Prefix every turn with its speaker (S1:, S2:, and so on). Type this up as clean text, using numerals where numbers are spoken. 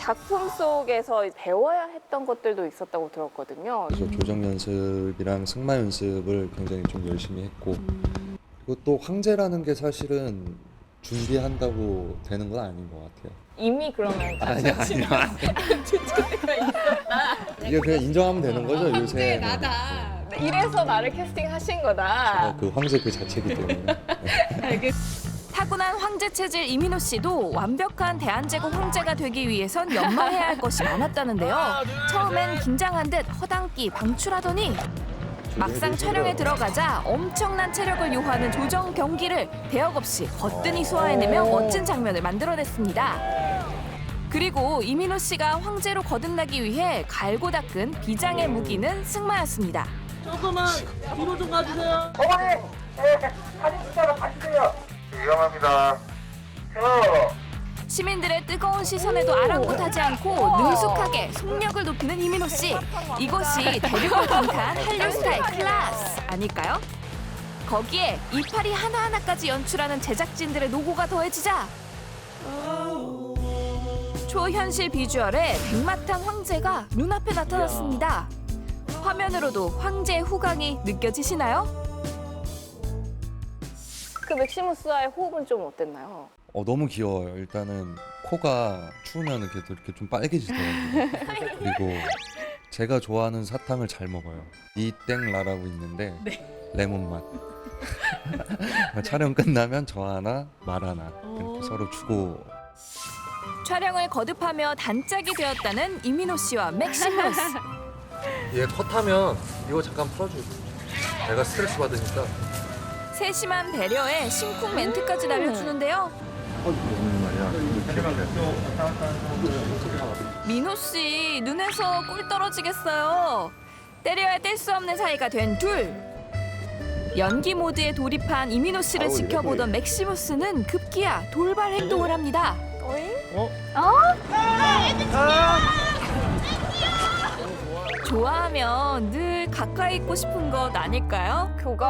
S1: 작품 속에서 배워야 했던 것들도 있었다고 들었거든요.
S2: 그래서 조정 연습이랑 승마 연습을 굉장히 좀 열심히 했고, 그리고 또 황제라는 게 사실은 준비한다고 되는 건 아닌 것 같아요.
S1: 이미 그러면
S2: 아니야. 이게 그냥 인정하면 되는 거죠, 요새.
S1: 이래서 나를 캐스팅하신 거다.
S2: 그 황제 그 자체이기 때문에.
S3: 타고난 황제 체질 이민호 씨도 완벽한 대한제국 황제가 되기 위해선 연마해야 할 것이 많았다는데요. 처음엔 긴장한 듯 허당끼 방출하더니 막상 촬영에 들어가자 엄청난 체력을 요하는 조정 경기를 대역 없이 거뜬히 소화해내며 멋진 장면을 만들어냈습니다. 그리고 이민호 씨가 황제로 거듭나기 위해 갈고 닦은 비장의 무기는 승마였습니다.
S4: 조금만 뒤로 좀 가주세요.
S5: 어머니, 사진 찍다가 봐주세요. 위험합니다.
S3: 시민들의 뜨거운 시선에도 아랑곳하지 않고 능숙하게 속력을 높이는 이민호 씨. 이것이 대륙을 강타한 한류 스타의 클래스 아닐까요? 거기에 이파리 하나하나까지 연출하는 제작진들의 노고가 더해지자 초현실 비주얼의 백마탄 황제가 눈앞에 나타났습니다. 화면으로도 황제의 후광이 느껴지시나요?
S1: 그 맥시무스와의 호흡은 좀 어땠나요?
S2: 너무 귀여워요. 일단은 코가 추우면 이렇게 좀 빨개지더라고요. 그리고 제가 좋아하는 사탕을 잘 먹어요. 이땡라라고 있는데 레몬 맛. 촬영 끝나면 저 하나, 말 하나 이렇게 서로 주고.
S3: 촬영을 거듭하며 단짝이 되었다는 이민호 씨와 맥시무스.
S2: 얘 컷하면 이거 잠깐 풀어줘. 내가 스트레스 받으니까.
S3: 세심한 배려에 심쿵 멘트까지 날려주는데요. 민호 씨 눈에서 꿀 떨어지겠어요. 때려야 뗄 수 없는 사이가 된 둘. 연기 모드에 돌입한 이민호 씨를 지켜보던 맥시무스는 급기야 돌발 행동을 합니다. 좋아하면 늘 가까이 있고 싶은 것 아닐까요?
S1: 교감